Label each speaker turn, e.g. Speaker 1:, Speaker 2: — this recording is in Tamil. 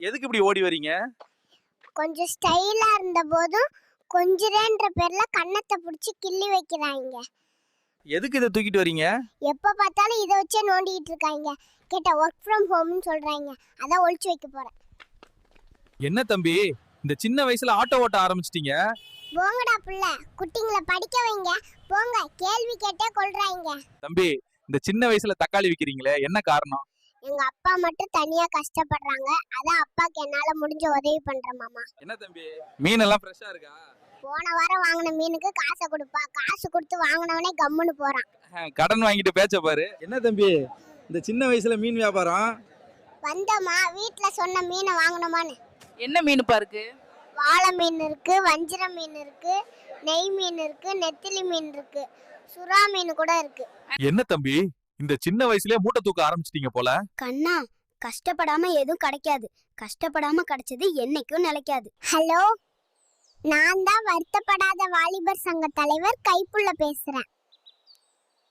Speaker 1: எதுக்கு இப்படி ஓடி வரீங்க?
Speaker 2: கொஞ்சம் ஸ்டைலா இருந்த போதும் கொஞ்சிரேன்ற பேர்ல கண்ணத்தை பிடிச்சி கிள்ளி வைக்கிறாங்க.
Speaker 1: எதுக்கு இதை தூக்கிட்டு வரீங்க?
Speaker 2: எப்ப பார்த்தாலும் இதை வச்சே நோண்டிட்டு இருக்காங்க. கேட்டா ஒர்க் ஃப்ரம் ஹோம்னு சொல்றாங்க. அதான் ஒளிச்சு வைக்க போறேன்.
Speaker 1: என்ன தம்பி, இந்த சின்ன வயசுல ஆட்டோ ஓட்ட ஆரம்பிச்சிட்டீங்க?
Speaker 2: போங்கடா புள்ள, குட்டிங்களை படிக்க வைங்க. போங்க, கேள்வி கேட்டே கொள்றாங்க.
Speaker 1: தம்பி, இந்த சின்ன வயசுல தக்காளி விக்கிறீங்களே, என்ன காரணம்?
Speaker 2: எங்க அப்பா மட்டும் தனியா கஷ்டப்படுறாங்க. அதான் அப்பாக்கு என்னால முடிஞ்ச உதவி பண்றேன் மாமா.
Speaker 1: என்ன தம்பி, மீன் எல்லாம் ஃப்ரெஷ்ஷா இருக்கா?
Speaker 2: போன வாரம் வாங்கின மீனுக்கு காசை கொடுப்பா. காசு கொடுத்து வாங்கினவனே கம்முன்னு போறான்.
Speaker 1: கடன் வாங்கிட்டு பேச்ச பாரு. என்ன தம்பி, இந்த சின்ன வயசுல மீன் வியாபாரம்?
Speaker 2: வந்தோமா, வீட்டுல சொன்ன மீனை வாங்கினோமான்னு.
Speaker 3: என்ன மீனுப்பா இருக்கு?
Speaker 2: வாழை மீன் இருக்கு, வஞ்சிர மீன் இருக்கு, நெய் மீன் இருக்கு, நெத்திலி மீன் இருக்கு, சுறா மீன் கூட இருக்கு.
Speaker 1: என்ன தம்பி, இந்த சின்ன வயசுலயே மூட்டை தூக்க ஆரம்பிச்சிட்டீங்க போல.
Speaker 2: கண்ணா, கஷ்டப்படாம எதுவும் கிடைக்காது. கஷ்டப்படாம கிடைச்சது என்னைக்கும் நிலைக்காது. ஹலோ, நான் தான் வருத்தப்படாத வாலிபர் சங்க தலைவர் கைப்புள்ள பேசுறேன்.